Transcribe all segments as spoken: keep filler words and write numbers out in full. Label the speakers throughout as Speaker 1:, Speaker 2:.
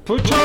Speaker 1: 부천!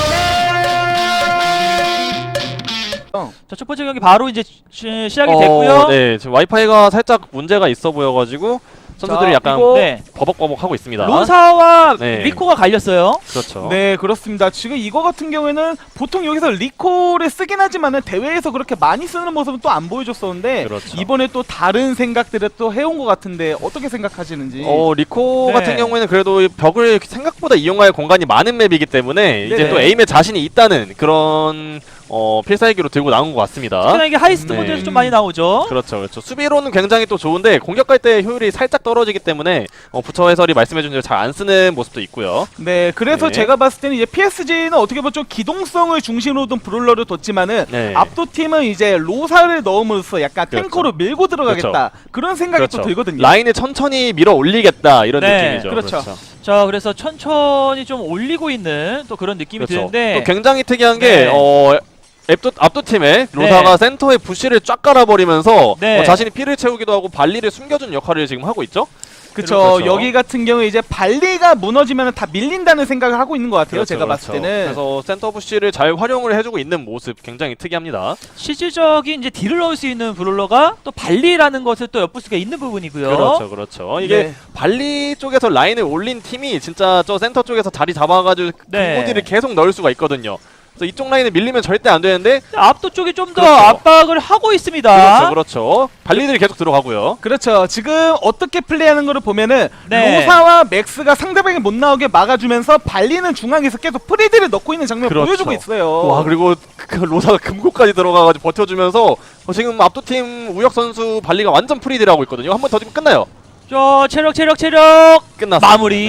Speaker 2: 자, 첫 번째 경기 바로 이제 시, 시작이
Speaker 3: 어,
Speaker 2: 됐고요.
Speaker 3: 네, 지금 와이파이가 살짝 문제가 있어 보여가지고 선수들이
Speaker 2: 자,
Speaker 3: 약간
Speaker 2: 그리고
Speaker 3: 네, 버벅버벅 하고 있습니다.
Speaker 2: 로사와
Speaker 3: 네.
Speaker 2: 리코가 갈렸어요.
Speaker 3: 그렇죠.
Speaker 1: 네, 그렇습니다. 지금 이거 같은 경우에는 보통 여기서 리콜을 쓰긴 하지만은 대회에서 그렇게 많이 쓰는 모습은 또 안 보여줬었는데
Speaker 3: 그렇죠.
Speaker 1: 이번에 또 다른 생각들을 또 해온 것 같은데 어떻게 생각하시는지.
Speaker 3: 어, 리코
Speaker 2: 네.
Speaker 3: 같은 경우에는 그래도 이 벽을 생각보다 이용할 공간이 많은 맵이기 때문에 이제
Speaker 1: 네네.
Speaker 3: 또 에임에 자신이 있다는 그런 어, 필살기로 들고 나온 것 같습니다.
Speaker 2: 특히나 이게 하이스트
Speaker 3: 네.
Speaker 2: 모드에서 좀 많이 나오죠.
Speaker 3: 그렇죠, 그렇죠. 수비로는 굉장히 또 좋은데 공격할 때 효율이 살짝 떨어지기 때문에 어, 부처 해설이 말씀해준 대로 잘 안 쓰는 모습도 있고요.
Speaker 1: 네, 그래서
Speaker 3: 네.
Speaker 1: 제가 봤을 때는 이제 피에스지는 어떻게 보면 좀 기동성을 중심으로 둔 브롤러를 뒀지만은
Speaker 3: 네.
Speaker 1: 압도팀은 이제 로사를 넣음으로써 약간
Speaker 3: 그렇죠.
Speaker 1: 탱커로 밀고 들어가겠다 그런 생각이
Speaker 3: 그렇죠.
Speaker 1: 또 들거든요.
Speaker 3: 라인을 천천히 밀어 올리겠다 이런
Speaker 2: 네,
Speaker 3: 느낌이죠.
Speaker 1: 그렇죠.
Speaker 2: 자, 그래서 천천히 좀 올리고 있는 또 그런 느낌이
Speaker 3: 그렇죠.
Speaker 2: 드는데
Speaker 3: 또 굉장히 특이한 게
Speaker 2: 네.
Speaker 3: 어, 압도, 압도팀의 로사가
Speaker 2: 네.
Speaker 3: 센터에 부시를 쫙 깔아버리면서
Speaker 2: 네.
Speaker 3: 어, 자신이 피를 채우기도 하고 발리를 숨겨주는 역할을 지금 하고 있죠.
Speaker 1: 그쵸.
Speaker 3: 그렇죠.
Speaker 1: 여기 같은 경우에 이제 발리가 무너지면 다 밀린다는 생각을 하고 있는 것 같아요.
Speaker 3: 그렇죠,
Speaker 1: 제가
Speaker 3: 그렇죠.
Speaker 1: 봤을 때는.
Speaker 3: 그래서 센터 부시를 잘 활용을 해주고 있는 모습 굉장히 특이합니다.
Speaker 2: 실질적인 이제 딜을 넣을 수 있는 브롤러가 또 발리라는 것을 또 엿볼 수가 있는 부분이고요.
Speaker 3: 그렇죠, 그렇죠. 이게
Speaker 1: 네.
Speaker 3: 발리 쪽에서 라인을 올린 팀이 진짜 저 센터 쪽에서 자리 잡아가지고
Speaker 2: 네.
Speaker 3: 근고디를 계속 넣을 수가 있거든요. 그래서 이쪽 라인을 밀리면 절대 안 되는데
Speaker 2: 압도 쪽이 좀 더
Speaker 3: 그렇죠.
Speaker 2: 압박을 하고 있습니다.
Speaker 3: 그렇죠, 그렇죠. 발리들이 계속 들어가고요.
Speaker 1: 그렇죠. 지금 어떻게 플레이하는 거를 보면은
Speaker 2: 네.
Speaker 1: 로사와 맥스가 상대방이 못 나오게 막아주면서 발리는 중앙에서 계속 프리드를 넣고 있는 장면을
Speaker 3: 그렇죠.
Speaker 1: 보여주고 있어요.
Speaker 3: 와, 그리고 그 로사가 금고까지 들어가가지고 버텨주면서 어, 지금 압도팀 우혁 선수 발리가 완전 프리드를 하고 있거든요. 한 번 더 주면 끝나요.
Speaker 2: 저 체력 체력 체력
Speaker 3: 끝났어.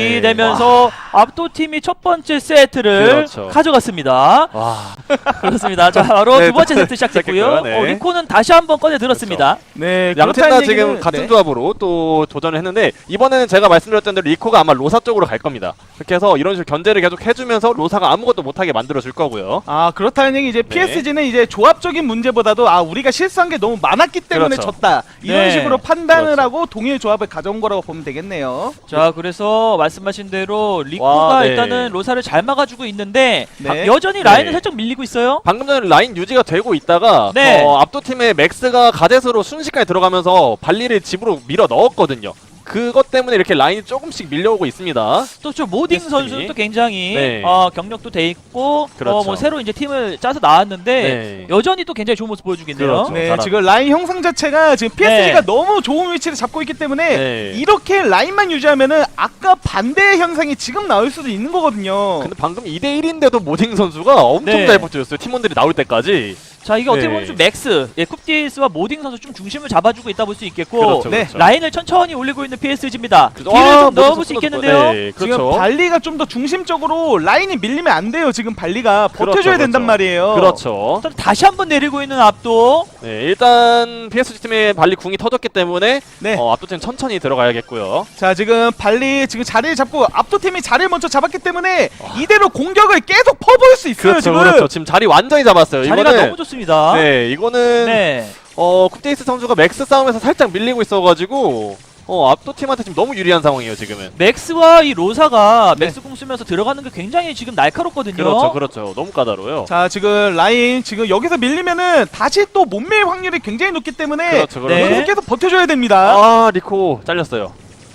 Speaker 2: 마무리되면서 압도팀이 첫 번째 세트를
Speaker 3: 그렇죠.
Speaker 2: 가져갔습니다.
Speaker 3: 와,
Speaker 2: 그렇습니다. 자, 바로
Speaker 3: 네,
Speaker 2: 두 번째
Speaker 3: 네,
Speaker 2: 세트 시작됐고요.
Speaker 3: 시작했고요. 네.
Speaker 2: 어, 리코는 다시 한번 꺼내 들었습니다.
Speaker 1: 네,
Speaker 3: 양팀
Speaker 1: 그렇다는
Speaker 3: 다 지금
Speaker 1: 얘기는-
Speaker 3: 같은
Speaker 1: 네.
Speaker 3: 조합으로 또 도전을 했는데 이번에는 제가 말씀드렸던 대로 리코가 아마 로사 쪽으로 갈 겁니다. 그렇게 해서 이런 식으로 견제를 계속 해주면서 로사가 아무것도 못하게 만들어줄 거고요.
Speaker 1: 아, 그렇다는 얘기 이제
Speaker 3: 네.
Speaker 1: 피에스지는 이제 조합적인 문제보다도 아 우리가 실수한 게 너무 많았기 때문에
Speaker 3: 그렇죠.
Speaker 1: 졌다 이런
Speaker 2: 네.
Speaker 1: 식으로 판단을
Speaker 3: 그렇죠.
Speaker 1: 하고 동일 조합을 가져온 거라고 보면 되겠네요.
Speaker 2: 자, 그래서 말씀하신 대로 리코가
Speaker 3: 와, 네.
Speaker 2: 일단은 로사를 잘 막아주고 있는데
Speaker 1: 네.
Speaker 2: 여전히 라인을
Speaker 3: 네.
Speaker 2: 살짝 밀리고 있어요.
Speaker 3: 방금 전에 라인 유지가 되고 있다가
Speaker 2: 네.
Speaker 3: 어, 압도팀의 맥스가 가젯으로 순식간에 들어가면서 발리를 집으로 밀어 넣었거든요. 그것 때문에 이렇게 라인이 조금씩 밀려오고 있습니다.
Speaker 2: 또 저 모딩
Speaker 3: 데스티니.
Speaker 2: 선수는 또 굉장히
Speaker 3: 네.
Speaker 2: 어, 경력도 돼 있고
Speaker 3: 그렇죠.
Speaker 2: 어, 뭐 새로 이제 팀을 짜서 나왔는데
Speaker 3: 네.
Speaker 2: 여전히 또 굉장히 좋은 모습 보여주겠네요.
Speaker 3: 그렇죠.
Speaker 1: 네,
Speaker 3: 잘하고.
Speaker 1: 지금 라인 형상 자체가 지금 피에스지가
Speaker 2: 네.
Speaker 1: 너무 좋은 위치를 잡고 있기 때문에
Speaker 3: 네.
Speaker 1: 이렇게 라인만 유지하면은 아까 반대의 현상이 지금 나올 수도 있는 거거든요.
Speaker 3: 근데 방금 이 대 일인데도 모딩 선수가 엄청
Speaker 2: 네.
Speaker 3: 잘 버텨줬어요. 팀원들이 나올 때까지.
Speaker 2: 자, 이게 어떻게
Speaker 3: 네.
Speaker 2: 보면 좀 맥스, 예, 쿱디스와 모딩 선수 좀 중심을 잡아주고 있다 볼 수 있겠고
Speaker 3: 그렇죠,
Speaker 1: 네.
Speaker 3: 그렇죠.
Speaker 2: 라인을 천천히 올리고 있는 피에스지입니다.
Speaker 3: 그래서-
Speaker 2: 딜을
Speaker 3: 아,
Speaker 2: 좀
Speaker 3: 모딩
Speaker 2: 넣어볼 수
Speaker 3: 선수도
Speaker 2: 있겠는데요.
Speaker 3: 네,
Speaker 1: 지금
Speaker 3: 그렇죠.
Speaker 1: 발리가 좀 더 중심적으로 라인이 밀리면 안 돼요. 지금 발리가
Speaker 3: 그렇죠,
Speaker 1: 버텨줘야 된단
Speaker 3: 그렇죠.
Speaker 1: 말이에요.
Speaker 3: 그렇죠.
Speaker 2: 일단 다시 한번 내리고 있는 압도.
Speaker 3: 네, 일단 피에스지 팀의 발리 궁이 터졌기 때문에
Speaker 1: 네.
Speaker 3: 어, 압도팀 천천히 들어가야겠고요.
Speaker 1: 자, 지금 발리 지금 자리를 잡고 압도팀이 자리를 먼저 잡았기 때문에 이대로 공격을 계속 퍼부을 수 있어요.
Speaker 3: 그렇죠,
Speaker 1: 지금.
Speaker 3: 그렇죠. 지금 자리 완전히 잡았어요.
Speaker 2: 자리가
Speaker 3: 이거는
Speaker 2: 너무 좋습니다.
Speaker 3: 네, 이거는
Speaker 2: 네.
Speaker 3: 어 쿱데이스 선수가 맥스 싸움에서 살짝 밀리고 있어가지고 어 압도팀한테 지금 너무 유리한 상황이에요 지금은.
Speaker 2: 맥스와 이 로사가
Speaker 1: 네.
Speaker 2: 맥스 공 쓰면서 들어가는 게 굉장히 지금 날카롭거든요.
Speaker 3: 그렇죠, 그렇죠. 너무 까다로워요.
Speaker 1: 자, 지금 라인 지금 여기서 밀리면은 다시 또 못 밀 확률이 굉장히 높기 때문에
Speaker 3: 그렇죠, 그렇죠.
Speaker 2: 네.
Speaker 1: 여기서 계속 버텨줘야 됩니다.
Speaker 3: 아 리코 잘렸어요.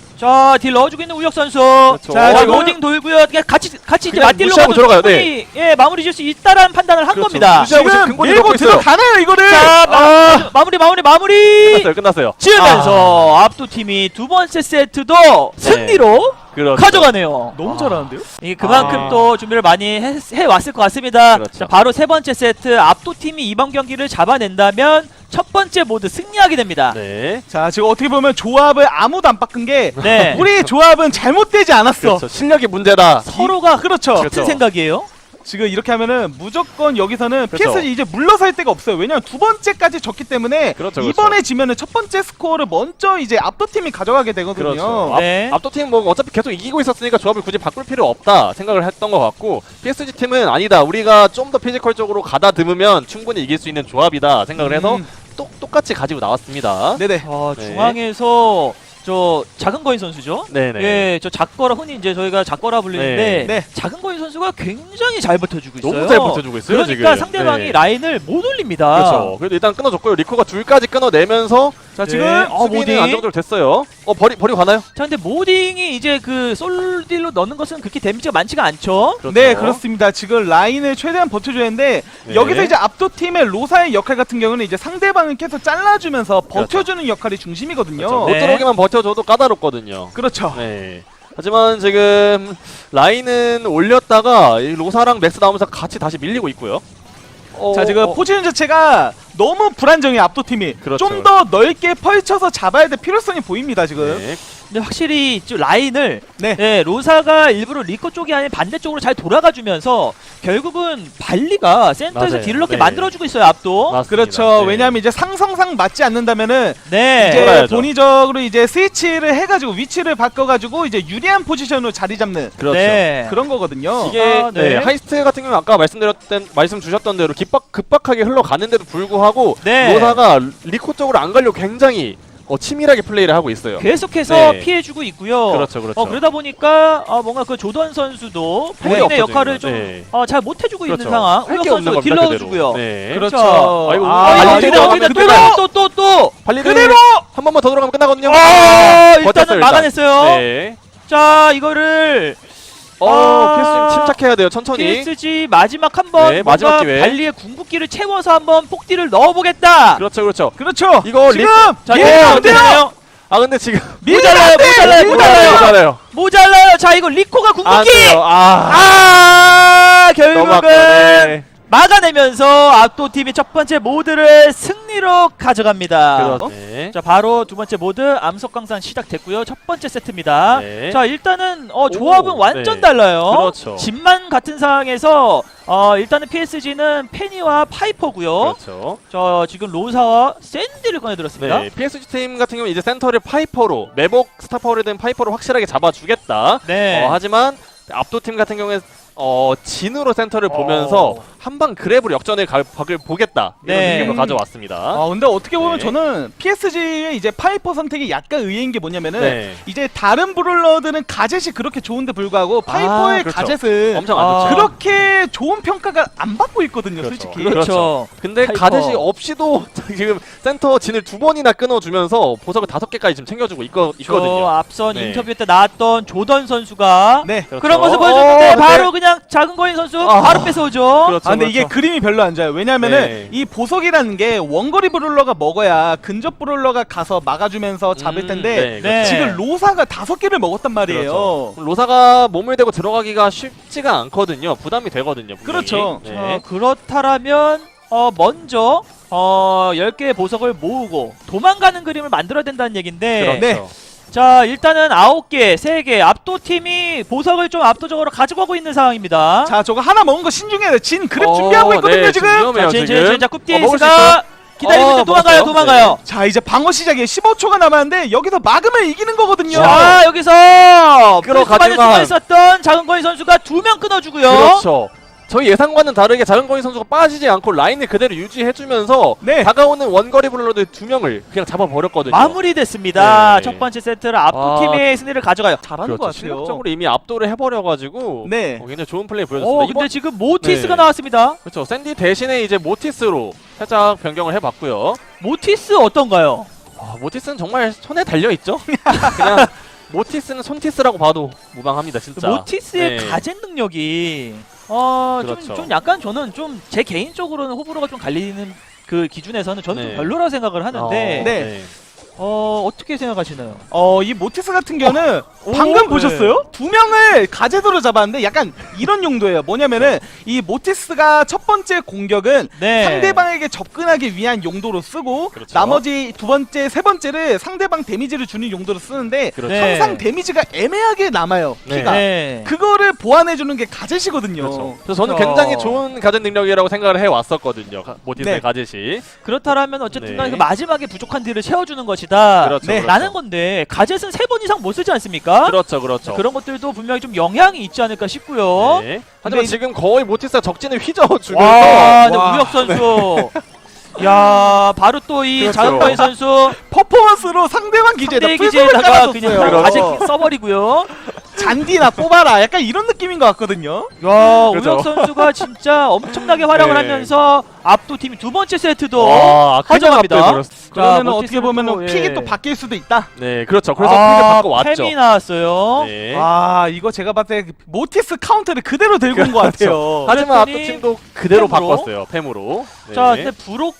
Speaker 2: 자, 딜 넣어주고 있는 우혁 선수.
Speaker 3: 그렇죠.
Speaker 2: 자,
Speaker 3: 어,
Speaker 2: 자
Speaker 3: 이거-
Speaker 2: 로딩 돌고요. 그냥 같이 같이 이제
Speaker 3: 그냥
Speaker 2: 맞딜로
Speaker 3: 무시하고
Speaker 2: 가도
Speaker 3: 들어가요.
Speaker 2: 충분히, 예, 마무리 지을 수 있다라는 판단을 한
Speaker 3: 그렇죠.
Speaker 2: 겁니다.
Speaker 3: 무시하고 지금
Speaker 1: 지금
Speaker 3: 근거리
Speaker 1: 밀고
Speaker 3: 넣고 있어요.
Speaker 1: 들어가나요 이거를?
Speaker 2: 자, 마, 마무리 마무리 마무리.
Speaker 3: 끝났어요, 끝났어요.
Speaker 2: 지으면서 압도 팀이 두 번째 세트도 승리로
Speaker 3: 그렇죠.
Speaker 2: 가져가네요.
Speaker 1: 너무 잘하는데요?
Speaker 2: 이게 그만큼
Speaker 3: 아.
Speaker 2: 또 준비를 많이 해, 해 왔을 것 같습니다.
Speaker 3: 그렇죠.
Speaker 2: 자, 바로 세 번째 세트 압도 팀이 이번 경기를 잡아낸다면 첫 번째 모드 승리하게 됩니다.
Speaker 3: 네.
Speaker 1: 자, 지금 어떻게 보면 조합을 아무도 안 바꾼 게
Speaker 2: 네.
Speaker 1: 우리 조합은 잘못되지 않았어.
Speaker 3: 그렇죠. 실력이 문제다.
Speaker 2: 서로가
Speaker 1: 그렇죠.
Speaker 2: 같은
Speaker 3: 그렇죠.
Speaker 2: 생각이에요.
Speaker 1: 지금 이렇게 하면은 무조건 여기서는
Speaker 3: 그렇죠.
Speaker 1: 피에스지 이제 물러설 데가 없어요. 왜냐면 두 번째까지 졌기 때문에
Speaker 3: 그렇죠, 그렇죠.
Speaker 1: 이번에 지면은 첫 번째 스코어를 먼저 이제 압도팀이 가져가게 되거든요.
Speaker 3: 그렇죠.
Speaker 2: 네.
Speaker 3: 압, 압도팀 뭐 어차피 계속 이기고 있었으니까 조합을 굳이 바꿀 필요 없다 생각을 했던 것 같고 피에스지 팀은 아니다. 우리가 좀 더 피지컬적으로 가다듬으면 충분히 이길 수 있는 조합이다 생각을 해서
Speaker 1: 음.
Speaker 3: 똑, 똑같이 가지고 나왔습니다.
Speaker 1: 네네.
Speaker 2: 어,
Speaker 3: 네.
Speaker 2: 중앙에서 저 저 작은 거인 선수죠.
Speaker 3: 네네.
Speaker 2: 예, 저 작거라 흔히 이제 저희가 작거라 불리는데
Speaker 1: 네. 네.
Speaker 2: 작은 거인 선수가 굉장히 잘 버텨주고 있어요.
Speaker 3: 너무 잘 버텨주고 있어요.
Speaker 2: 그러니까
Speaker 3: 지금.
Speaker 2: 상대방이
Speaker 3: 네.
Speaker 2: 라인을 못 올립니다.
Speaker 3: 그렇죠. 그래도 일단 끊어줬고요. 리코가 둘까지 끊어내면서
Speaker 1: 자 지금
Speaker 2: 네. 어,
Speaker 3: 수비는
Speaker 2: 모딩.
Speaker 3: 안정적으로 됐어요. 어 버리 버리고 가나요?
Speaker 2: 자, 근데 모딩이 이제 그 솔딜로 넣는 것은 그렇게 데미지가 많지가 않죠.
Speaker 3: 그렇죠.
Speaker 1: 네 그렇습니다. 지금 라인을 최대한 버텨줘야 하는데
Speaker 3: 네.
Speaker 1: 여기서 이제 압도팀의 로사의 역할 같은 경우는 이제 상대방을 계속 잘라주면서 버텨주는 역할이 중심이거든요.
Speaker 3: 그렇죠. 못
Speaker 2: 네.
Speaker 3: 들어오게만 버텨줘도 까다롭거든요.
Speaker 1: 그렇죠.
Speaker 3: 네. 하지만 지금 라인은 올렸다가 이 로사랑 맥스 나오면서 같이 다시 밀리고 있고요. 어,
Speaker 1: 자 지금
Speaker 3: 어,
Speaker 1: 포지션 자체가 너무 불안정해요. 압도팀이
Speaker 3: 그렇죠.
Speaker 1: 좀 더 넓게 펼쳐서 잡아야 될 필요성이 보입니다 지금.
Speaker 3: 네.
Speaker 2: 근데 확실히 좀 라인을
Speaker 1: 네.
Speaker 2: 네, 로사가 일부러 리코 쪽이 아닌 반대쪽으로 잘 돌아가 주면서 결국은 발리가 센터에서
Speaker 3: 맞아요.
Speaker 2: 딜을 넣게
Speaker 3: 네.
Speaker 2: 만들어주고 있어요. 압도.
Speaker 3: 맞습니다.
Speaker 1: 그렇죠.
Speaker 3: 네.
Speaker 1: 왜냐하면 이제 상성상 맞지 않는다면은
Speaker 2: 네.
Speaker 1: 이제
Speaker 3: 돌아야죠.
Speaker 1: 본의적으로 이제 스위치를 해가지고 위치를 바꿔가지고 이제 유리한 포지션으로 자리 잡는
Speaker 3: 그렇죠.
Speaker 2: 네.
Speaker 1: 그런 거거든요.
Speaker 3: 이게
Speaker 2: 아, 네.
Speaker 3: 네, 하이스트 같은 경우는 아까 말씀드렸던 말씀 주셨던 대로 급박, 급박하게 흘러가는데도 불구하고
Speaker 2: 네.
Speaker 3: 로사가 리코 쪽으로 안 가려고 굉장히 어, 치밀하게 플레이를 하고 있어요.
Speaker 2: 계속해서
Speaker 3: 네.
Speaker 2: 피해주고 있고요.
Speaker 3: 그렇죠, 그렇죠.
Speaker 2: 어, 그러다 보니까 어, 뭔가 그 조던 선수도
Speaker 3: 거의
Speaker 2: 본인의
Speaker 3: 없거든요.
Speaker 2: 역할을 좀
Speaker 3: 네.
Speaker 2: 어, 잘 못해주고
Speaker 3: 그렇죠.
Speaker 2: 있는 상황.
Speaker 3: 할
Speaker 2: 우혁
Speaker 3: 게 없는
Speaker 2: 선수
Speaker 3: 겁니다.
Speaker 2: 딜러주고요.
Speaker 3: 그대로. 네.
Speaker 1: 그렇죠.
Speaker 3: 아이고,
Speaker 1: 아,
Speaker 2: 아,
Speaker 3: 발리드
Speaker 2: 어떻게 돼,
Speaker 3: 들어가면
Speaker 2: 어떻게 돼,
Speaker 3: 그대로!
Speaker 2: 또, 또, 또, 또!
Speaker 3: 발리드
Speaker 1: 그대로!
Speaker 3: 한 번만 더 들어가면 끝나거든요.
Speaker 2: 아,
Speaker 3: 버텼어요,
Speaker 2: 일단은
Speaker 3: 일단.
Speaker 2: 막아냈어요.
Speaker 3: 네.
Speaker 2: 자, 이거를
Speaker 3: 어,
Speaker 2: 아.
Speaker 3: 피에스지 침착해야 돼요. 천천히.
Speaker 2: 피에스지 마지막 한번
Speaker 3: 네, 마지막 기회.
Speaker 2: 발리의 궁극기를 채워서 한번 폭딜을 넣어보겠다.
Speaker 3: 그렇죠, 그렇죠.
Speaker 1: 그렇죠.
Speaker 3: 이거
Speaker 1: 지금
Speaker 2: 자,
Speaker 1: 밀면
Speaker 2: 예,
Speaker 1: 안 돼요.
Speaker 2: 되네요.
Speaker 3: 아 근데 지금
Speaker 2: 모자라요, 모자라요, 모자라요.
Speaker 3: 모자라요.
Speaker 2: 모자라요. 자, 이거 리코가
Speaker 3: 안
Speaker 2: 궁극기.
Speaker 3: 돼요. 아,
Speaker 2: 아,
Speaker 3: 너무
Speaker 2: 결국은
Speaker 3: 아깝네.
Speaker 2: 막아내면서 압도팀이 첫 번째 모드를 승리로 가져갑니다.
Speaker 3: 그렇네.
Speaker 2: 자, 바로 두 번째 모드 암석광산 시작됐고요. 첫 번째 세트입니다.
Speaker 3: 네.
Speaker 2: 자, 일단은 어, 조합은
Speaker 3: 오,
Speaker 2: 완전
Speaker 3: 네.
Speaker 2: 달라요.
Speaker 3: 그렇죠.
Speaker 2: 집만 같은 상황에서 어, 일단은 피에스지는 페니와 파이퍼고요.
Speaker 3: 그렇죠.
Speaker 2: 저 지금 로사와 샌디를 꺼내들었습니다.
Speaker 3: 네, 피에스지 팀 같은 경우는 이제 센터를 파이퍼로 매복 스타파워를 된 파이퍼로 확실하게 잡아주겠다.
Speaker 2: 네.
Speaker 3: 어, 하지만 압도 팀 같은 경우에 어, 진으로 센터를
Speaker 2: 어.
Speaker 3: 보면서 한방 그랩으로 역전의 가- 각을 보겠다 이런
Speaker 2: 네.
Speaker 3: 느낌으로 가져왔습니다.
Speaker 1: 아 근데 어떻게 보면
Speaker 3: 네.
Speaker 1: 저는 피에스지의 이제 파이퍼 선택이 약간 의외인 게 뭐냐면은
Speaker 3: 네.
Speaker 1: 이제 다른 브롤러들은 가젯이 그렇게 좋은데 불구하고 파이퍼의
Speaker 3: 그렇죠.
Speaker 1: 가젯은
Speaker 3: 엄청 안
Speaker 2: 아,
Speaker 3: 좋죠.
Speaker 1: 그렇게 좋은 평가가 안 받고 있거든요,
Speaker 3: 그렇죠.
Speaker 1: 솔직히.
Speaker 2: 그렇죠.
Speaker 3: 근데
Speaker 2: 파이퍼.
Speaker 3: 가젯이 없이도 지금 센터 진을 두 번이나 끊어주면서 보석을 다섯 개까지 지금 챙겨주고 있거,
Speaker 2: 저
Speaker 3: 있거든요.
Speaker 2: 앞선
Speaker 3: 네.
Speaker 2: 인터뷰 때 나왔던 조던 선수가
Speaker 1: 네.
Speaker 3: 그렇죠.
Speaker 2: 그런 모습 보여줬는데
Speaker 3: 어,
Speaker 2: 바로
Speaker 3: 네.
Speaker 2: 그냥 작은 거인 선수
Speaker 3: 아.
Speaker 2: 바로 뺏어오죠.
Speaker 3: 그렇죠.
Speaker 1: 아 근데 이게
Speaker 3: 그렇죠.
Speaker 1: 그림이 별로 안 좋아요. 왜냐면은
Speaker 3: 네.
Speaker 1: 이 보석이라는 게 원거리 브롤러가 먹어야 근접 브롤러가 가서 막아주면서 잡을
Speaker 3: 음,
Speaker 1: 텐데
Speaker 3: 네,
Speaker 2: 네.
Speaker 1: 지금 로사가 다섯 개를 먹었단 말이에요.
Speaker 3: 그렇죠. 로사가 몸을 대고 들어가기가 쉽지가 않거든요. 부담이 되거든요. 분명히.
Speaker 1: 그렇죠.
Speaker 3: 네.
Speaker 2: 자, 그렇다라면 어, 먼저 어, 열 개의 보석을 모으고 도망가는 그림을 만들어야 된다는 얘긴데
Speaker 3: 그렇죠.
Speaker 1: 네.
Speaker 2: 자, 일단은 아홉 개, 세 개 압도팀이 보석을 좀 압도적으로 가지고 가고 있는 상황입니다.
Speaker 1: 자 저거 하나 먹은 거 신중해야 돼. 진 그랩
Speaker 3: 어,
Speaker 1: 준비하고 있거든요
Speaker 3: 네,
Speaker 1: 지금.
Speaker 3: 위험해요,
Speaker 2: 자, 진, 진,
Speaker 3: 지금.
Speaker 2: 진, 자,
Speaker 3: 어, 먹을 수
Speaker 2: 쿱디스가
Speaker 3: 있어요?
Speaker 2: 기다리고
Speaker 3: 어,
Speaker 2: 있는데 도망가요,
Speaker 3: 먹었어요?
Speaker 2: 도망가요.
Speaker 1: 자 이제 방어 시작이에요. 십오 초가 남았는데 여기서 막으면 이기는 거거든요.
Speaker 2: 자, 여기서
Speaker 3: 끌어가지만.
Speaker 2: 수가 있었던 작은 거인 선수가 두 명 끊어주고요.
Speaker 3: 그렇죠. 저희 예상과는 다르게 작은 거인 선수가 빠지지 않고 라인을 그대로 유지해주면서
Speaker 1: 네.
Speaker 3: 다가오는 원거리 블러드 두 명을 그냥 잡아버렸거든요.
Speaker 2: 마무리됐습니다.
Speaker 3: 네.
Speaker 2: 첫 번째 세트를 압도팀의 승리를 가져가요.
Speaker 1: 잘하는 것
Speaker 3: 그렇죠.
Speaker 1: 같아요.
Speaker 3: 실력적으로 이미 압도를 해버려가지고
Speaker 1: 네.
Speaker 3: 어, 굉장히 좋은 플레이
Speaker 2: 오,
Speaker 3: 보여줬습니다.
Speaker 2: 근데
Speaker 3: 이번
Speaker 2: 지금 모티스가
Speaker 3: 네.
Speaker 2: 나왔습니다.
Speaker 3: 그렇죠. 샌디 대신에 이제 모티스로 살짝 변경을 해봤고요.
Speaker 2: 모티스 어떤가요?
Speaker 3: 아, 모티스는 정말 손에 달려있죠? 그냥 모티스는 손티스라고 봐도 무방합니다 진짜.
Speaker 2: 모티스의
Speaker 3: 네.
Speaker 2: 가젯 능력이 어,
Speaker 3: 그렇죠.
Speaker 2: 좀, 좀 약간 저는 좀 제 개인적으로는 호불호가 좀 갈리는 그 기준에서는 저는
Speaker 3: 네.
Speaker 2: 좀 별로라고 생각을 하는데
Speaker 3: 어,
Speaker 1: 네.
Speaker 2: 어, 어떻게 생각하시나요?
Speaker 1: 어, 이 모티스 같은 경우는
Speaker 2: 오,
Speaker 1: 방금
Speaker 2: 네.
Speaker 1: 보셨어요? 두 명을 가제도로 잡았는데 약간 이런 용도예요. 뭐냐면은 이 모티스가 첫 번째 공격은
Speaker 2: 네.
Speaker 1: 상대방에게 접근하기 위한 용도로 쓰고
Speaker 3: 그렇죠.
Speaker 1: 나머지 두 번째, 세 번째를 상대방 데미지를 주는 용도로 쓰는데
Speaker 3: 그렇죠.
Speaker 2: 네.
Speaker 1: 항상 데미지가 애매하게 남아요.
Speaker 3: 네.
Speaker 1: 피가.
Speaker 2: 네.
Speaker 1: 그거를 보완해주는 게 가젯이거든요.
Speaker 3: 그렇죠. 그래서 저는
Speaker 2: 그렇죠.
Speaker 3: 굉장히 좋은 가젯 능력이라고 생각을 해왔었거든요. 가- 모티스의
Speaker 1: 네.
Speaker 3: 가젯이.
Speaker 2: 그렇다라면 어쨌든
Speaker 3: 네.
Speaker 2: 간에 그 마지막에 부족한 딜을 채워주는 것이다.
Speaker 3: 그렇죠,
Speaker 1: 네.
Speaker 3: 그렇죠.
Speaker 2: 라는 건데 가젯은 세 번 이상 못 쓰지 않습니까?
Speaker 3: 그렇죠, 그렇죠.
Speaker 2: 그런 것들도 분명히 좀 영향이 있지 않을까 싶고요.
Speaker 3: 네. 하지만
Speaker 1: 근데
Speaker 3: 지금 거의 모티스가 적진을 휘저어주면서
Speaker 2: 와, 근데
Speaker 1: 와.
Speaker 2: 우혁 선수. 야 바로 또 이
Speaker 3: 그렇죠.
Speaker 2: 장은거인 선수
Speaker 1: 퍼포먼스로 상대방 기지에다
Speaker 2: 상대
Speaker 1: 풀손을
Speaker 2: 기지에다가 그냥
Speaker 1: 깔아줬어요.
Speaker 2: 아직 써버리고요.
Speaker 1: 잔디나 뽑아라. 약간 이런 느낌인 것 같거든요.
Speaker 2: 야
Speaker 3: 그렇죠.
Speaker 2: 우혁 선수가 진짜 엄청나게 활약을
Speaker 3: 네.
Speaker 2: 하면서 압도 팀이 두 번째 세트도
Speaker 3: 와,
Speaker 2: 가져갑니다.
Speaker 1: 그러면
Speaker 2: 자,
Speaker 1: 어떻게 보면
Speaker 2: 예.
Speaker 1: 픽이 또 바뀔 수도 있다.
Speaker 3: 네, 그렇죠. 그래서
Speaker 2: 아,
Speaker 3: 픽을 바꿔 왔죠.
Speaker 2: 팸이 나왔어요.
Speaker 3: 네.
Speaker 1: 아 이거 제가 봤을 때 모티스 카운터를 그대로 들고 온 것 같아요.
Speaker 3: 하지만
Speaker 2: 그랬더니
Speaker 3: 압도팀도 그대로
Speaker 2: 팸으로.
Speaker 3: 바꿨어요. 팸으로. 네.
Speaker 2: 자 근데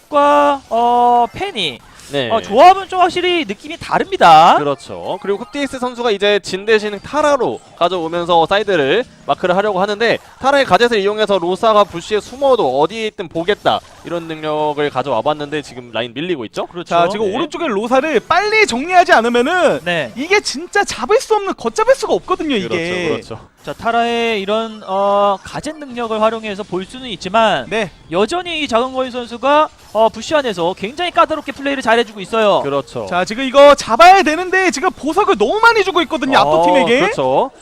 Speaker 2: 브록과 어 팬이
Speaker 3: 네.
Speaker 2: 어, 조합은 좀 확실히 느낌이 다릅니다.
Speaker 3: 그렇죠. 그리고 흡디스 선수가 이제 진 대신 타라로 가져오면서 사이드를 마크를 하려고 하는데 타라의 가젯을 이용해서 로사가 부시에 숨어도 어디에 있든 보겠다 이런 능력을 가져와 봤는데 지금 라인 밀리고 있죠?
Speaker 2: 그렇죠.
Speaker 1: 자 지금
Speaker 3: 네.
Speaker 1: 오른쪽에 로사를 빨리 정리하지 않으면은
Speaker 2: 네.
Speaker 1: 이게 진짜 잡을 수 없는 걷잡을 수가 없거든요 이게.
Speaker 3: 그렇죠. 그렇죠.
Speaker 2: 자 타라의 이런 어 가젯 능력을 활용해서 볼 수는 있지만
Speaker 1: 네.
Speaker 2: 여전히 이 장은거인 선수가 어 부시 안에서 굉장히 까다롭게 플레이를 잘해주고 있어요.
Speaker 3: 그렇죠.
Speaker 1: 자 지금 이거 잡아야 되는데 지금 보석을 너무 많이 주고 있거든요
Speaker 3: 어,
Speaker 1: 압도팀에게.
Speaker 3: 그렇죠.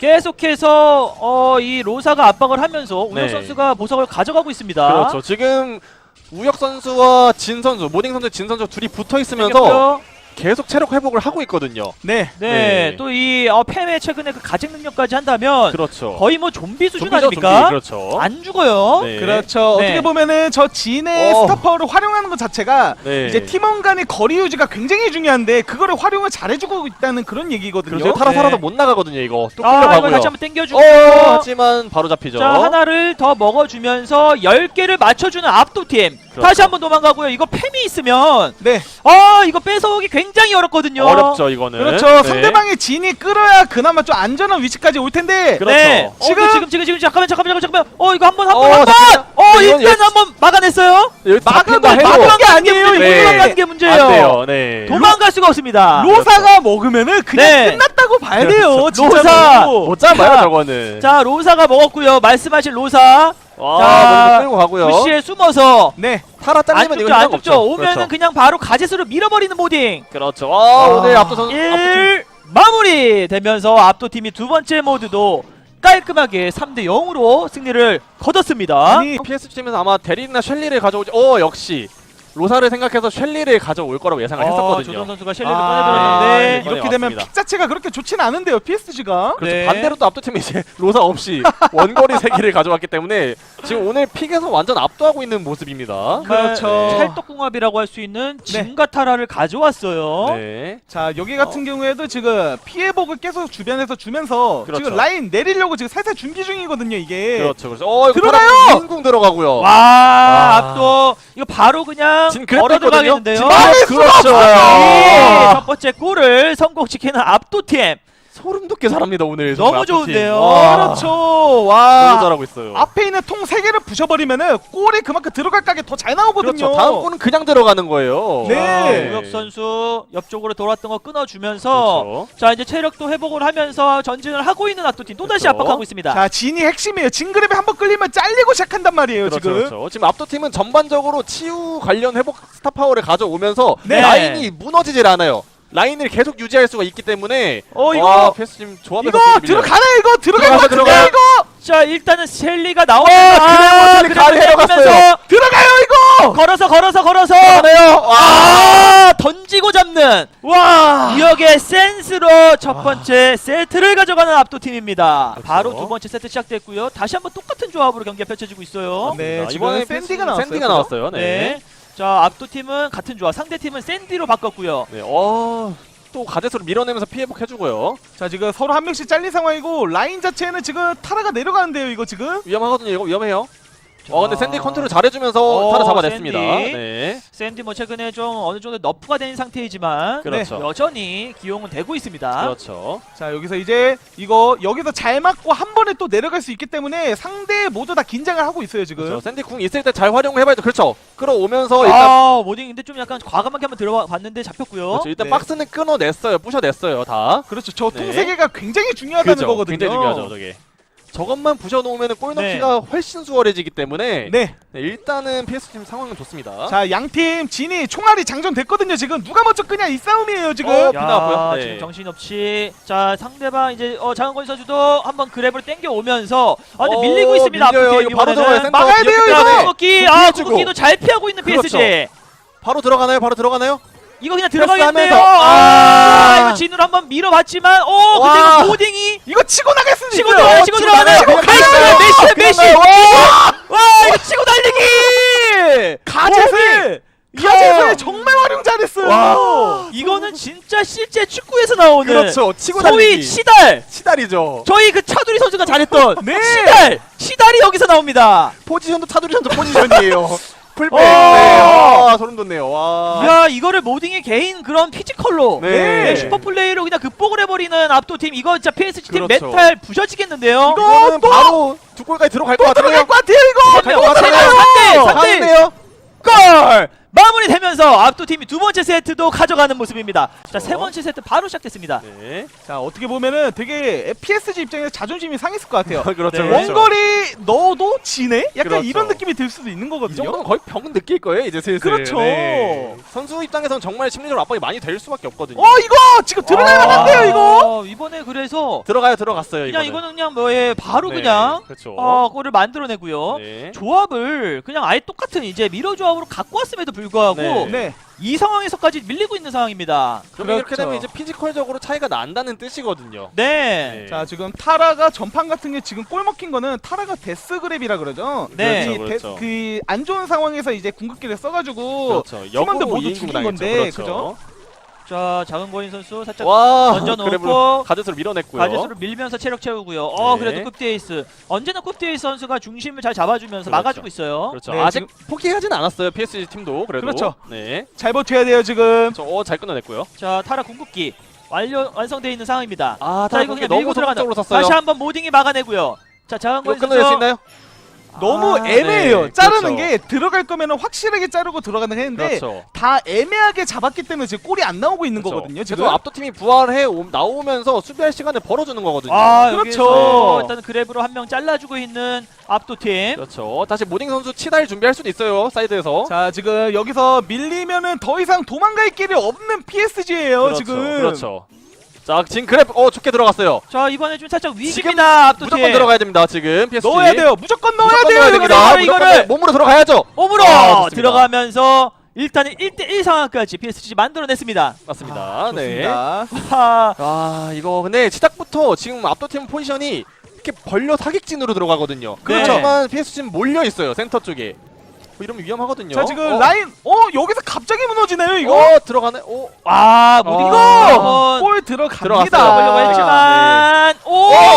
Speaker 2: 계속해서 어 이 로사가 압박을 하면서 우혁
Speaker 3: 네.
Speaker 2: 선수가 보석을 가져가고 있습니다.
Speaker 3: 그렇죠. 지금 우혁 선수와 진 선수, 모닝 선수, 진 선수 둘이 붙어 있으면서
Speaker 2: 생겼고요.
Speaker 3: 계속 체력 회복을 하고 있거든요.
Speaker 1: 네.
Speaker 2: 네,
Speaker 3: 네.
Speaker 2: 또 이 어, 팸의 최근에 그 가책 능력까지 한다면
Speaker 3: 그렇죠.
Speaker 2: 거의 뭐 좀비 수준
Speaker 3: 좀비죠,
Speaker 2: 아닙니까?
Speaker 3: 좀비. 그렇죠.
Speaker 2: 안 죽어요.
Speaker 3: 네.
Speaker 1: 그렇죠.
Speaker 2: 네.
Speaker 1: 어떻게 보면은 저 진의
Speaker 3: 어.
Speaker 1: 스타파워를 활용하는 것 자체가
Speaker 3: 네.
Speaker 1: 이제 팀원 간의 거리 유지가 굉장히 중요한데 그거를 활용을 잘해주고 있다는 그런 얘기거든요.
Speaker 3: 그렇죠. 타라
Speaker 2: 네.
Speaker 3: 살아서 못 나가거든요. 이거 또
Speaker 2: 아 이거
Speaker 3: 끌려가고요.
Speaker 2: 다시 한번 땡겨주고
Speaker 3: 어, 하지만 바로 잡히죠.
Speaker 2: 자 하나를 더 먹어주면서 열 개를 맞춰주는 압도팀
Speaker 3: 그렇죠.
Speaker 2: 다시 한번 도망가고요. 이거 팸이 있으면
Speaker 1: 네.
Speaker 2: 아 이거 뺏어오기 굉장히 어렵거든요.
Speaker 3: 어렵죠 이거는.
Speaker 1: 그렇죠.
Speaker 3: 네.
Speaker 1: 상대방의 진이 끌어야 그나마 좀 안전한 위치까지 올 텐데.
Speaker 3: 그렇죠.
Speaker 2: 네. 어,
Speaker 1: 지금-
Speaker 2: 지금 지금 지금 지금 잠깐만 잠깐만 잠깐만 어 이거 한번
Speaker 3: 어,
Speaker 2: 한번 한번
Speaker 3: 잠깐만요.
Speaker 2: 어
Speaker 3: 이건
Speaker 2: 일단
Speaker 3: 예-
Speaker 2: 한번 막아냈어요.
Speaker 3: 여기
Speaker 1: 막아도
Speaker 3: 잡힌다 해도
Speaker 1: 막은 게 아니에요.
Speaker 3: 네.
Speaker 1: 이거
Speaker 2: 도망가는 게 문제예요.
Speaker 3: 안 돼요. 네.
Speaker 2: 도망갈 수가 없습니다.
Speaker 1: 로사가 먹으면은 그냥
Speaker 2: 네.
Speaker 1: 끝났다고 봐야 돼요.
Speaker 3: 그렇죠.
Speaker 1: 진짜로.
Speaker 2: 로사!
Speaker 3: 못 잡아요
Speaker 2: 자,
Speaker 3: 저거는.
Speaker 2: 자 로사가 먹었고요. 말씀하신 로사
Speaker 3: 와,
Speaker 2: 자,
Speaker 3: 먼저 끌고 가고요.
Speaker 2: 부시에 숨어서
Speaker 1: 네.
Speaker 3: 타라
Speaker 2: 안
Speaker 3: 잘리면 이거
Speaker 2: 죽죠 안
Speaker 3: 희망
Speaker 2: 죽죠.
Speaker 3: 없죠.
Speaker 2: 오면은
Speaker 3: 그렇죠.
Speaker 2: 그냥 바로 가젯으로 밀어버리는 모딩.
Speaker 3: 그렇죠. 아, 오늘 압도 선수
Speaker 2: 일 마무리 되면서 압도팀이 두 번째 모드도 깔끔하게 삼 대 영으로 승리를 거뒀습니다.
Speaker 1: 아니
Speaker 3: 피에스지 팀에서 아마 데릭이나 셸리를 가져오지. 어 역시 로사를 생각해서 셸리를 가져올 거라고 예상을
Speaker 2: 어,
Speaker 3: 했었거든요.
Speaker 2: 조던 선수가 셸리를
Speaker 1: 아,
Speaker 2: 꺼내들었는데
Speaker 3: 네.
Speaker 1: 이렇게 되면
Speaker 3: 왔습니다.
Speaker 1: 픽 자체가 그렇게 좋지는 않은데요. 피에스지가.
Speaker 3: 그렇죠.
Speaker 2: 네.
Speaker 3: 반대로 또 압도팀이 이제 로사 없이 원거리 세기를 가져왔기 때문에 지금 오늘 픽에서 완전 압도하고 있는 모습입니다.
Speaker 1: 그렇죠.
Speaker 3: 네.
Speaker 2: 찰떡궁합이라고 할 수 있는 진과 타라를 가져왔어요.
Speaker 3: 네.
Speaker 1: 자 여기 같은 경우에도 지금 피해복을 계속 주변에서 주면서
Speaker 3: 그렇죠.
Speaker 1: 지금 라인 내리려고 지금 살살 준비 중이거든요 이게.
Speaker 3: 그렇죠. 그렇죠. 어, 이거
Speaker 1: 들어가요!
Speaker 3: 타라 인궁 들어가고요.
Speaker 2: 와,
Speaker 3: 와.
Speaker 2: 압도 이거 바로 그냥
Speaker 3: 진 그랬도
Speaker 2: 걸어
Speaker 3: 있거든요.
Speaker 2: 들어가겠는데요.
Speaker 3: 진 막을 그렇죠.
Speaker 2: 예, 첫 번째 골을 성공시키는 압도팀
Speaker 3: 소름 돋게 잘합니다 오늘.
Speaker 2: 너무
Speaker 3: 정말
Speaker 2: 좋은데요.
Speaker 3: 압도팀. 와,
Speaker 1: 그렇죠.
Speaker 3: 너무
Speaker 1: 와.
Speaker 3: 잘하고 있어요.
Speaker 1: 앞에 있는 통 세 개를 부셔버리면은 골이 그만큼 들어갈 각이 더 잘 나오거든요.
Speaker 3: 그렇죠. 다음 골은 그냥 들어가는 거예요.
Speaker 1: 네.
Speaker 2: 우혁 선수 옆쪽으로 돌았던 거 끊어주면서
Speaker 3: 그렇죠.
Speaker 2: 자 이제 체력도 회복을 하면서 전진을 하고 있는 압도팀 또다시
Speaker 3: 그렇죠.
Speaker 2: 압박하고 있습니다.
Speaker 1: 자 진이 핵심이에요. 진그랩에 한번 끌리면 잘리고 시작한단 말이에요
Speaker 3: 그렇죠,
Speaker 1: 지금.
Speaker 3: 그렇죠. 지금 압도팀은 전반적으로 치유 관련 회복 스타 파워를 가져오면서
Speaker 2: 네.
Speaker 3: 라인이 무너지질 않아요. 라인을 계속 유지할 수가 있기 때문에
Speaker 1: 어 이거
Speaker 3: 와, 패스 지금 조합에서
Speaker 1: 이거
Speaker 3: 되게 밀려요.
Speaker 1: 들어가나 이거 들어갈 것
Speaker 3: 들어가요,
Speaker 1: 같은데
Speaker 3: 들어가요.
Speaker 1: 이거
Speaker 2: 자 일단은 셸리가 나오면서
Speaker 3: 어, 그냥 셸리 가리 내려갔어요.
Speaker 1: 들어가요 이거.
Speaker 2: 걸어서 걸어서 걸어서
Speaker 3: 하네요. 와.
Speaker 2: 아 던지고 잡는
Speaker 1: 와.
Speaker 2: 우혁의 센스로 첫 번째 세트를 가져가는 압도팀입니다.
Speaker 3: 그렇죠.
Speaker 2: 바로 두 번째 세트 시작됐고요. 다시 한번 똑같은 조합으로 경기가 펼쳐지고 있어요.
Speaker 1: 네,
Speaker 3: 자,
Speaker 1: 지금
Speaker 3: 이번에
Speaker 1: 샌디가
Speaker 3: 패스는
Speaker 1: 나왔어요,
Speaker 3: 샌디가
Speaker 1: 그죠?
Speaker 3: 나왔어요. 네.
Speaker 2: 네. 자 압도팀은 같은 조합, 상대팀은 샌디로 바꿨고요.
Speaker 3: 네. 어. 또 가젯으로 밀어내면서 피해 복 해주고요.
Speaker 1: 자 지금 서로 한 명씩 잘린 상황이고 라인 자체는 지금 타라가 내려가는데요 이거 지금.
Speaker 3: 위험하거든요. 이거 위험해요. 어 근데
Speaker 2: 자.
Speaker 3: 샌디 컨트롤 잘해주면서
Speaker 2: 어,
Speaker 3: 타라 잡아냈습니다.
Speaker 2: 샌디.
Speaker 3: 네.
Speaker 2: 샌디 뭐 최근에 좀 어느 정도 너프가 된 상태이지만
Speaker 3: 그렇죠.
Speaker 2: 여전히 기용은 되고 있습니다.
Speaker 3: 그렇죠.
Speaker 1: 자 여기서 이제 이거 여기서 잘 맞고 한 번에 또 내려갈 수 있기 때문에 상대 모두 다 긴장을 하고 있어요 지금.
Speaker 3: 그렇죠. 샌디 궁 있을 때 잘 활용해봐야죠. 그렇죠. 끌어오면서 일단
Speaker 2: 아 모딩인데 좀 약간 과감하게 한번 들어가 봤는데 잡혔고요.
Speaker 3: 그렇죠. 일단
Speaker 1: 네.
Speaker 3: 박스는 끊어냈어요. 부셔냈어요. 다.
Speaker 1: 그렇죠. 저 통
Speaker 3: 네.
Speaker 1: 세 개가 굉장히 중요하다는
Speaker 3: 그죠.
Speaker 1: 거거든요.
Speaker 3: 굉장히 중요하죠. 저게. 저것만 부셔놓으면 골
Speaker 2: 네.
Speaker 3: 넣기가 훨씬 수월해지기 때문에
Speaker 1: 네.
Speaker 3: 네, 일단은 피에스팀 상황은 좋습니다.
Speaker 1: 자 양팀 진이 총알이 장전됐거든요 지금. 누가 먼저 끄냐 이 싸움이에요 지금.
Speaker 3: 어,
Speaker 2: 야,
Speaker 3: 피나왔고요. 네.
Speaker 2: 지금 정신없이 자 상대방 이제 어, 장은건 선수도 한번 그랩을 땡겨 오면서 아 근데
Speaker 3: 어,
Speaker 2: 밀리고 있습니다.
Speaker 3: 밀려요.
Speaker 2: 압도팀
Speaker 3: 이거 바로
Speaker 2: 이번에는.
Speaker 3: 들어가요. 센터
Speaker 1: 막아야 돼요,
Speaker 3: 이렇게
Speaker 1: 이거!
Speaker 3: 들어가네.
Speaker 2: 구기
Speaker 3: 또
Speaker 2: 아
Speaker 3: 피해주고.
Speaker 2: 구기도 잘 피하고 있는
Speaker 3: 그렇죠.
Speaker 2: 피에스지.
Speaker 3: 바로 들어가나요? 바로 들어가나요?
Speaker 2: 이거 그냥 들어가겠네요.
Speaker 3: 패스하면서.
Speaker 2: 아,
Speaker 3: 아.
Speaker 2: 이거 진으로 한번 밀어봤지만, 오, 근데
Speaker 3: 와.
Speaker 2: 이거 모딩이
Speaker 1: 이거 치고 나갈 수도
Speaker 2: 치고
Speaker 1: 있어요.
Speaker 2: 들어가요, 치고
Speaker 3: 치고
Speaker 2: 들어가요.
Speaker 3: 나가요.
Speaker 2: 가이스
Speaker 3: 그냥
Speaker 2: 메시,
Speaker 3: 가요.
Speaker 2: 메시.
Speaker 3: 그냥 가요.
Speaker 2: 와, 이거 치고 달리기.
Speaker 1: 가젯을 가젯을 정말 활용 잘했어요.
Speaker 3: 와.
Speaker 2: 이거는 진짜 실제 축구에서 나오는
Speaker 3: 그렇죠. 치고
Speaker 2: 소위
Speaker 3: 달리기.
Speaker 2: 시달.
Speaker 3: 치달이죠.
Speaker 2: 저희 그 차두리 선수가 잘했던
Speaker 1: 네.
Speaker 2: 시달. 시달이 여기서 나옵니다.
Speaker 3: 포지션도 차두리 선수 포지션이에요. 풀백.
Speaker 2: 오.
Speaker 3: 네. 아, 소름 돋네요. 와.
Speaker 2: 야, 이거를 모딩의 개인 그런 피지컬로
Speaker 3: 네.
Speaker 2: 네, 슈퍼 플레이로 그냥 극복을 해버리는 압도팀. 이거 진짜 피에스지 팀
Speaker 3: 그렇죠.
Speaker 2: 멘탈 부셔지겠는데요.
Speaker 3: 이거는 바로 두 골까지 들어갈 것 같은데요.
Speaker 1: 들어갈 것 같아요 이거.
Speaker 3: 갈것 같아요.
Speaker 2: 삼 대, 삼 대.
Speaker 3: 가는데요.
Speaker 2: 골! 마무리되면서 압도팀이 두 번째 세트도 가져가는 모습입니다. 자, 세 번째 세트 바로 시작됐습니다.
Speaker 3: 네.
Speaker 1: 자 어떻게 보면은 되게 피에스지 입장에서 자존심이 상했을 것 같아요.
Speaker 3: 그렇죠.
Speaker 2: 네.
Speaker 3: 그렇죠.
Speaker 1: 원거리 넣어도 지네? 약간
Speaker 3: 그렇죠.
Speaker 1: 이런 느낌이 들 수도 있는
Speaker 3: 이
Speaker 1: 거거든요.
Speaker 3: 정도면 거의 병 느낄 거예요 이제 슬슬.
Speaker 1: 그렇죠.
Speaker 3: 네. 선수 입장에서는 정말 심리적으로 압박이 많이 될 수밖에 없거든요.
Speaker 1: 어 이거 지금 들어갈
Speaker 2: 아,
Speaker 1: 만한데요 이거?
Speaker 2: 이번에 그래서
Speaker 3: 들어가요 들어갔어요
Speaker 2: 그냥
Speaker 3: 이거는.
Speaker 2: 이거는 그냥 뭐에 바로
Speaker 3: 네,
Speaker 2: 그냥
Speaker 3: 그렇죠.
Speaker 2: 어, 골을 만들어내고요.
Speaker 3: 네.
Speaker 2: 조합을 그냥 아예 똑같은 이제 미러 조합으로 갖고 왔음에도 불구하고
Speaker 3: 네.
Speaker 1: 네.
Speaker 2: 이 상황에서까지 밀리고 있는 상황입니다.
Speaker 3: 그러면 이렇게
Speaker 1: 그렇죠.
Speaker 3: 되면 이제 피지컬적으로 차이가 난다는 뜻이거든요.
Speaker 2: 네.
Speaker 3: 네.
Speaker 1: 자 지금 타라가 전판 같은 게 지금 골 먹힌 거는 타라가 데스그랩이라 그러죠.
Speaker 2: 네.
Speaker 3: 그렇죠, 그렇죠.
Speaker 1: 그 안 좋은 상황에서 이제 궁극기를 써가지고
Speaker 3: 그렇죠.
Speaker 1: 팀원들
Speaker 3: 역으로
Speaker 1: 모두
Speaker 3: 이인공
Speaker 1: 죽인
Speaker 3: 당했죠.
Speaker 1: 건데,
Speaker 3: 그렇죠.
Speaker 1: 그죠?
Speaker 2: 자, 작은 거인 선수 살짝
Speaker 3: 와,
Speaker 2: 던져놓고
Speaker 3: 그래브로 가젯으로 밀어냈고요.
Speaker 2: 가젯으로 밀면서 체력 채우고요. 어,
Speaker 3: 네.
Speaker 2: 그래도 쿱디에이스. 언제나 쿱디에이스 선수가 중심을 잘 잡아주면서
Speaker 3: 그렇죠.
Speaker 2: 막아주고 있어요.
Speaker 3: 그렇죠.
Speaker 1: 네,
Speaker 3: 아직 포기하진 않았어요. 피에스지 팀도 그래도.
Speaker 1: 그렇죠.
Speaker 3: 네.
Speaker 1: 잘 버텨야 돼요 지금.
Speaker 3: 저, 어, 잘 끊어냈고요.
Speaker 2: 자, 타라 궁극기 완료 완성되어 있는 상황입니다.
Speaker 3: 아,
Speaker 2: 자, 이거 그냥 밀고 들어가는.
Speaker 3: 적으로 샀어요.
Speaker 2: 다시 한번 모딩이 막아내고요. 자, 작은
Speaker 3: 이거
Speaker 2: 거인
Speaker 3: 끊어낼 수
Speaker 2: 선수.
Speaker 3: 있나요?
Speaker 1: 너무
Speaker 2: 아,
Speaker 1: 애매해요.
Speaker 3: 네,
Speaker 1: 자르는
Speaker 3: 그렇죠.
Speaker 1: 게 들어갈 거면 확실하게 자르고 들어가는 했는데
Speaker 3: 그렇죠.
Speaker 1: 다 애매하게 잡았기 때문에 지금 골이 안 나오고 있는
Speaker 3: 그렇죠.
Speaker 1: 거거든요. 지금.
Speaker 3: 그래서 압도팀이 부활해 오, 나오면서 수비할 시간을 벌어주는 거거든요.
Speaker 2: 아,
Speaker 1: 그렇죠.
Speaker 2: 여기서 일단 그랩으로 한 명 잘라주고 있는 압도팀.
Speaker 3: 그렇죠. 다시 모딩 선수 치달 준비할 수도 있어요. 사이드에서.
Speaker 1: 자 지금 여기서 밀리면은 더 이상 도망갈 길이 없는 피에스지예요
Speaker 3: 그렇죠.
Speaker 1: 지금.
Speaker 3: 그렇죠. 자, 지금 그랩 어 좋게 들어갔어요.
Speaker 2: 자, 이번에 좀 살짝 위기입니다. 압도팀.
Speaker 3: 무조건 들어가야 됩니다. 지금 피에스지.
Speaker 1: 넣어야 돼요. 무조건 넣어야
Speaker 3: 무조건
Speaker 1: 돼요.
Speaker 3: 넣어야
Speaker 1: 여기서.
Speaker 3: 됩니다.
Speaker 2: 이거를,
Speaker 3: 무조건
Speaker 2: 이거를.
Speaker 3: 몸으로 들어가야죠.
Speaker 2: 옴으로
Speaker 3: 아, 좋습니다.
Speaker 2: 들어가면서 일단은 일 대 일 상황까지 피에스지 만들어냈습니다.
Speaker 3: 맞습니다.
Speaker 1: 아,
Speaker 3: 네.
Speaker 1: 좋습니다.
Speaker 2: 하,
Speaker 3: 아, 이거 근데 시작부터 지금 압도팀 포지션이 이렇게 벌려 사격진으로 들어가거든요.
Speaker 2: 그렇죠.
Speaker 3: 그렇지만 피에스지는 몰려 있어요. 센터 쪽에. 뭐 이러면 위험하거든요.
Speaker 1: 자 지금
Speaker 3: 어,
Speaker 1: 라인 어 여기서 갑자기 무너지네요 이거.
Speaker 3: 어, 들어가네. 오.
Speaker 2: 아, 모딩
Speaker 3: 어.
Speaker 2: 이거
Speaker 1: 골
Speaker 3: 들어갔어요.
Speaker 1: 들어갑니다.
Speaker 2: 들어가려고 했지만, 오,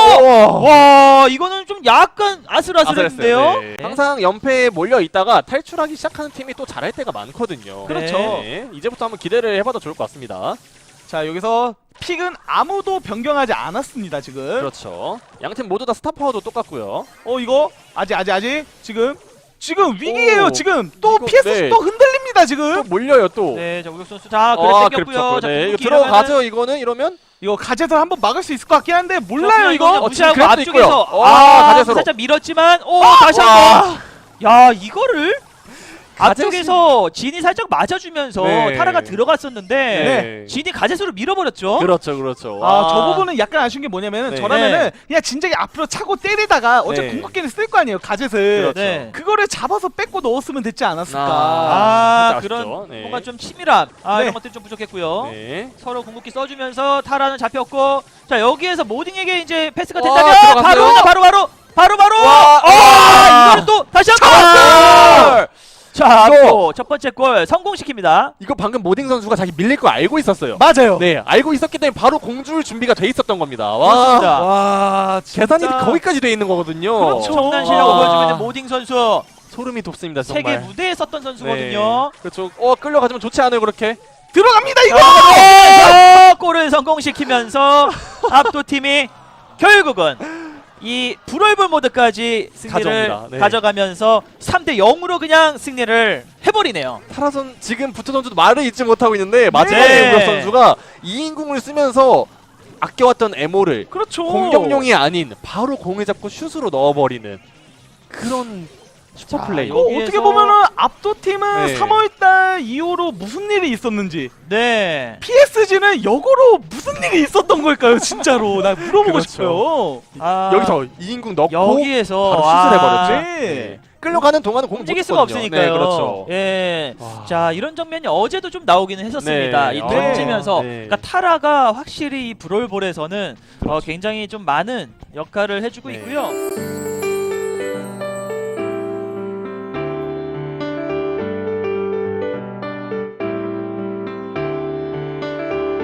Speaker 3: 오!
Speaker 2: 와, 이거는 좀 약간 아슬아슬했는데요.
Speaker 3: 아슬했어요. 네. 항상 연패에 몰려 있다가 탈출하기 시작하는 팀이 또 잘할 때가 많거든요.
Speaker 1: 그렇죠.
Speaker 3: 네. 이제부터 한번 기대를 해봐도 좋을 것 같습니다.
Speaker 1: 자 여기서 픽은 아무도 변경하지 않았습니다 지금.
Speaker 3: 그렇죠. 양팀 모두 다 스타 파워도 똑같고요.
Speaker 1: 어 이거 아직 아직 아직 지금 지금 위기예요
Speaker 3: 오,
Speaker 1: 지금 또
Speaker 3: 이거,
Speaker 1: 피에스지
Speaker 3: 네.
Speaker 1: 또 흔들립니다
Speaker 3: 또
Speaker 1: 지금.
Speaker 3: 몰려요 또.
Speaker 2: 네, 자, 우혁 선수. 자, 그래
Speaker 3: 아,
Speaker 2: 땡겼고요.
Speaker 3: 그렇죠.
Speaker 2: 자,
Speaker 3: 네. 이거
Speaker 2: 궁극기
Speaker 3: 들어가죠. 이거는 이러면
Speaker 1: 이거 가젯을 한번 막을 수 있을 것 같긴 한데
Speaker 2: 자,
Speaker 1: 몰라요
Speaker 2: 그냥
Speaker 1: 이거.
Speaker 2: 그냥
Speaker 3: 어,
Speaker 2: 무시하고
Speaker 3: 지금 그래도
Speaker 2: 앞쪽에서
Speaker 3: 있고요. 어,
Speaker 2: 아,
Speaker 3: 가젯으로.
Speaker 2: 살짝 밀었지만, 오,
Speaker 1: 아,
Speaker 2: 다시
Speaker 3: 와.
Speaker 2: 한번. 야, 이거를
Speaker 3: 가젯이-
Speaker 2: 앞쪽에서 진이 살짝 맞아주면서
Speaker 3: 네.
Speaker 2: 타라가 들어갔었는데
Speaker 3: 네.
Speaker 2: 진이 가젯으로 밀어버렸죠.
Speaker 3: 그렇죠, 그렇죠.
Speaker 1: 아, 저 부분은 약간 아쉬운 게 뭐냐면은
Speaker 3: 네.
Speaker 1: 저라면은 그냥 진작에 앞으로 차고 때리다가 어차피
Speaker 3: 네.
Speaker 1: 궁극기를 쓸 거 아니에요 가젯을.
Speaker 3: 그렇죠.
Speaker 2: 네.
Speaker 1: 그거를 잡아서 뺏고 넣었으면 됐지 않았을까.
Speaker 2: 아,
Speaker 3: 살짝
Speaker 2: 그런
Speaker 3: 아쉽죠. 네.
Speaker 2: 뭔가 좀 치밀함. 아,
Speaker 1: 네.
Speaker 2: 이런 것들이 좀 부족했고요.
Speaker 3: 네.
Speaker 2: 서로 궁극기 써주면서 타라는 잡혔고, 자, 여기에서 모딩에게 이제 패스가
Speaker 3: 와,
Speaker 2: 된다면
Speaker 3: 들어갔어요.
Speaker 2: 바로 바로 바로 바로 바로
Speaker 3: 와,
Speaker 2: 아,
Speaker 3: 와.
Speaker 2: 이거는 또 다시 한번
Speaker 3: 잡았어요!
Speaker 2: 자,
Speaker 3: 이거.
Speaker 2: 또 첫 번째 골 성공시킵니다.
Speaker 3: 이거 방금 모딩 선수가 자기 밀릴 거 알고 있었어요.
Speaker 1: 맞아요.
Speaker 3: 네, 알고 있었기 때문에 바로 공줄 준비가 돼 있었던 겁니다.
Speaker 2: 그렇습니다.
Speaker 3: 와, 와 계산이 거기까지 돼 있는 거거든요.
Speaker 1: 그렇죠.
Speaker 2: 엄청난 실력을 보여주고 있는 모딩 선수.
Speaker 3: 소름이 돋습니다, 정말.
Speaker 2: 세계 무대에 섰던 선수거든요.
Speaker 3: 네. 그렇죠. 어, 끌려가지면 좋지 않아요, 그렇게.
Speaker 1: 들어갑니다 이거.
Speaker 2: 자, 골을 성공시키면서 압도팀이 결국은 이 브롤볼 모드까지 승리를
Speaker 3: 가져옵니다. 네.
Speaker 2: 가져가면서 삼 대 영으로 그냥 승리를 해버리네요.
Speaker 3: 타라선 지금 부트 선수도 말을 잊지 못하고 있는데 마지막에
Speaker 2: 네.
Speaker 3: 우혁 선수가 이인궁을 쓰면서 아껴왔던 에모를
Speaker 1: 그렇죠.
Speaker 3: 공격용이 아닌 바로 공을 잡고 슛으로 넣어버리는 그런 슈퍼 플레이.
Speaker 2: 자,
Speaker 1: 이거
Speaker 2: 여기에서-
Speaker 1: 어떻게 보면은 압도팀은
Speaker 3: 네.
Speaker 1: 삼월달 이후로 무슨 일이 있었는지
Speaker 2: 네.
Speaker 1: 피에스지는 역으로 무슨 일이 있었던 걸까요 진짜로 나 물어보고
Speaker 3: 그렇죠.
Speaker 1: 싶어요.
Speaker 2: 아,
Speaker 3: 여기서 이인궁 넣고
Speaker 2: 여기에서
Speaker 3: 바로 슛을
Speaker 2: 아,
Speaker 3: 해버렸죠.
Speaker 1: 네.
Speaker 3: 끌려가는 동안은 공
Speaker 2: 움직일
Speaker 3: 못
Speaker 2: 수가
Speaker 3: 쳤거든요.
Speaker 2: 없으니까요.
Speaker 3: 네, 그렇죠.
Speaker 2: 예.
Speaker 3: 와.
Speaker 2: 자, 이런 장면이 어제도 좀 나오기는 했었습니다.
Speaker 3: 네.
Speaker 2: 이
Speaker 3: 아.
Speaker 2: 던지면서
Speaker 3: 네.
Speaker 2: 그러니까 타라가 확실히 이 브롤볼에서는 어,
Speaker 3: 그렇죠.
Speaker 2: 굉장히 좀 많은 역할을 해주고
Speaker 3: 네.
Speaker 2: 있고요.